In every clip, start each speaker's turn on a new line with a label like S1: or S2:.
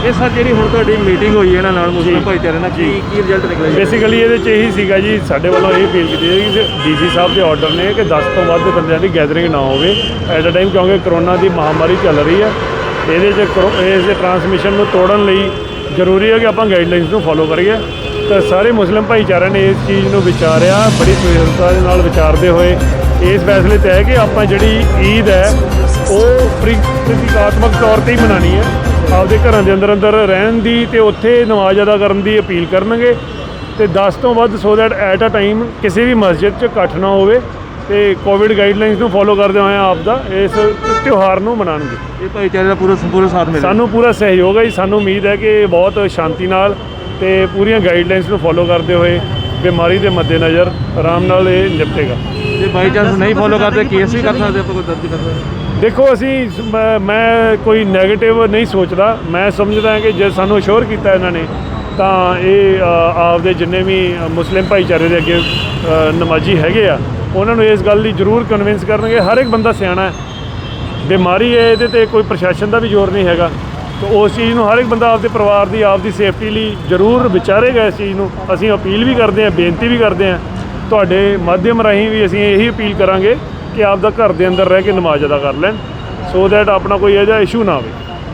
S1: ਇਹ ਸਰ ਜਿਹੜੀ ਹੁਣ ਤੁਹਾਡੀ ਮੀਟਿੰਗ ਹੋਈ ਇਹਨਾਂ ਨਾਲ ਮੁਸਲਿਮ ਭਾਈਚਾਰੇ ਨਾਲ ਕੀ ਰਿਜ਼ਲਟ ਨਿਕਲਿਆ?
S2: ਬੇਸਿਕਲੀ ਇਹਦੇ 'ਚ ਇਹੀ ਸੀਗਾ ਜੀ, ਸਾਡੇ ਵੱਲੋਂ ਇਹ ਅਪੀਲ ਕੀਤੀ ਹੈ ਕਿ ਡੀਸੀ ਸਾਹਿਬ ਦੇ ਆਰਡਰ ਨੇ ਕਿ 10 ਤੋਂ ਵੱਧ ਬੰਦਿਆਂ ਦੀ ਗੈਦਰਿੰਗ ਨਾ ਹੋਵੇ ਐਟ ਅ ਟਾਈਮ, ਕਿਉਂਕਿ ਕਰੋਨਾ ਦੀ ਮਹਾਮਾਰੀ ਚੱਲ ਰਹੀ ਹੈ। ਇਹਦੇ 'ਚ ਇਸ ਦੇ ਟਰਾਂਸਮਿਸ਼ਨ ਨੂੰ ਤੋੜਨ ਲਈ ਜ਼ਰੂਰੀ ਹੈ ਕਿ ਆਪਾਂ ਗਾਈਡਲਾਈਨਸ ਨੂੰ ਫੋਲੋ ਕਰੀਏ। ਤਾਂ ਸਾਰੇ ਮੁਸਲਿਮ ਭਾਈਚਾਰਿਆਂ ਨੇ ਇਸ ਚੀਜ਼ ਨੂੰ ਵਿਚਾਰਿਆ, ਬੜੀ ਸੁਹਿਰਦਤਾ ਦੇ ਨਾਲ ਵਿਚਾਰਦੇ ਹੋਏ ਇਸ ਫੈਸਲੇ 'ਤੇ ਹੈ ਕਿ ਆਪਾਂ ਜਿਹੜੀ ਈਦ ਹੈ ਉਹ ਪ੍ਰਤੀਕਾਤਮਕ ਤੌਰ 'ਤੇ ਹੀ ਮਨਾਉਣੀ ਹੈ, ਆਪਦੇ ਘਰਾਂ ਦੇ ਅੰਦਰ ਰਹਿਣ ਦੀ ਅਤੇ ਉੱਥੇ ਨਮਾਜ਼ ਅਦਾ ਕਰਨ ਦੀ ਅਪੀਲ ਕਰਨਗੇ। ਅਤੇ 10 ਤੋਂ ਵੱਧ so that at a time ਕਿਸੇ ਵੀ ਮਸਜਿਦ 'ਚ ਇਕੱਠ ਨਾ ਹੋਵੇ ਅਤੇ ਕੋਵਿਡ ਗਾਈਡਲਾਈਨਸ ਨੂੰ ਫੋਲੋ ਕਰਦੇ ਹੋਏ ਆਪ ਦਾ ਇਸ ਤਿਉਹਾਰ ਨੂੰ ਮਨਾਉਣਗੇ।
S1: ਇਹ ਭਾਈਚਾਰੇ ਦਾ ਪੂਰਾ ਸਾਥ ਮਿਲਿਆ,
S2: ਸਾਨੂੰ ਪੂਰਾ ਸਹਿਯੋਗ ਹੈ ਜੀ। ਸਾਨੂੰ ਉਮੀਦ ਹੈ ਕਿ ਬਹੁਤ ਸ਼ਾਂਤੀ ਨਾਲ ਅਤੇ ਪੂਰੀਆਂ ਗਾਈਡਲਾਈਨਸ ਨੂੰ ਫੋਲੋ ਕਰਦੇ ਹੋਏ ਬਿਮਾਰੀ ਦੇ ਮੱਦੇਨਜ਼ਰ ਆਰਾਮ ਨਾਲ ਇਹ ਨਿਪਟੇਗਾ।
S1: ਜੇ ਬਾਈ ਚਾਂਸ ਨਹੀਂ ਫੋਲੋ ਕਰਦੇ ਕੇਸ ਵੀ ਕਰ ਸਕਦੇ ਆਪਾਂ, ਕੋਈ ਦਰਜ ਕਰ ਸਕਦੇ?
S2: ਦੇਖੋ ਅਸੀਂ ਮੈਂ ਕੋਈ ਨੈਗੇਟਿਵ ਨਹੀਂ ਸੋਚਦਾ, ਮੈਂ ਸਮਝਦਾ ਹਾਂ ਕਿ ਜੇ ਸਾਨੂੰ ਅਸ਼ੋਰ ਕੀਤਾ ਇਹਨਾਂ ਨੇ ਤਾਂ ਇਹ ਆਪਦੇ ਜਿੰਨੇ ਵੀ ਮੁਸਲਿਮ ਭਾਈਚਾਰੇ ਦੇ ਅੱਗੇ ਨਮਾਜ਼ੀ ਹੈਗੇ ਆ ਉਹਨਾਂ ਨੂੰ ਇਸ ਗੱਲ ਦੀ ਜ਼ਰੂਰ ਕਨਵਿੰਸ ਕਰਨਗੇ। ਹਰ ਇੱਕ ਬੰਦਾ ਸਿਆਣਾ ਹੈ, ਬਿਮਾਰੀ ਹੈ, ਇਹਦੇ 'ਤੇ ਕੋਈ ਪ੍ਰਸ਼ਾਸਨ ਦਾ ਵੀ ਜ਼ੋਰ ਨਹੀਂ ਹੈਗਾ। ਤਾਂ ਉਸ ਚੀਜ਼ ਨੂੰ ਹਰ ਇੱਕ ਬੰਦਾ ਆਪਦੇ ਪਰਿਵਾਰ ਦੀ ਆਪਦੀ ਸੇਫਟੀ ਲਈ ਜ਼ਰੂਰ ਵਿਚਾਰੇਗਾ। ਇਸ ਚੀਜ਼ ਨੂੰ ਅਸੀਂ ਅਪੀਲ ਵੀ ਕਰਦੇ ਹਾਂ, ਬੇਨਤੀ ਵੀ ਕਰਦੇ ਹਾਂ, ਤੁਹਾਡੇ ਮਾਧਿਅਮ ਰਾਹੀਂ ਵੀ ਅਸੀਂ ਇਹੀ ਅਪੀਲ ਕਰਾਂਗੇ ਕਿ ਆਪਦਾ ਘਰ ਦੇ ਅੰਦਰ ਰਹਿ ਕੇ ਨਮਾਜ਼ ਅਦਾ ਕਰ ਲੈਣ, ਸੋ ਦੈਟ ਆਪਣਾ ਕੋਈ ਇਹੋ ਜਿਹਾ ਇਸ਼ੂ ਨਾ ਆਵੇ।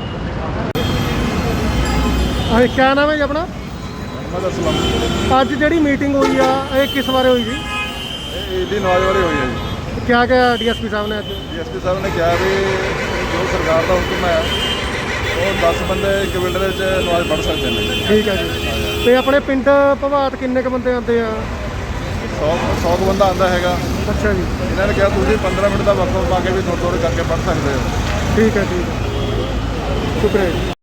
S3: क्या नाम है जी अपना? ਅੱਜ ਜਿਹੜੀ ਮੀਟਿੰਗ ਹੋਈ ਆ ਇਹ ਕਿਸ ਬਾਰੇ ਹੋਈ ਜੀ?
S4: ईद की नमाज वाली हुई है जी।
S3: क्या क्या डीएसपी साहब ने?
S4: DSP साहब ने कहा भी जो सरकार का हुक्म है वो 10 बंदे एक बिल्ड में नमाज पढ़ सकते हैं।
S3: ठीक है जी। ਤੇ ਆਪਣੇ ਪਿੰਡ ਭਵਾਤ ਕਿੰਨੇ ਕ ਬੰਦੇ ਆਉਂਦੇ ਆ?
S4: 100 ਬੰਦਾ ਆਉਂਦਾ ਹੈਗਾ।
S3: ਅੱਛਾ ਜੀ।
S4: ਇਹਨਾਂ ਨੇ ਕਿਹਾ ਤੁਸੀਂ 15 ਮਿੰਟ ਦਾ ਵਕਤ ਪਾ ਕੇ ਵੀ ਥੋੜ੍ਹੇ ਥੋੜ੍ਹੇ ਕਰਕੇ ਪੜ੍ਹ ਸਕਦੇ ਹੋ।
S3: ਠੀਕ ਹੈ, ਠੀਕ ਹੈ, ਸ਼ੁਕਰੀਆ ਜੀ।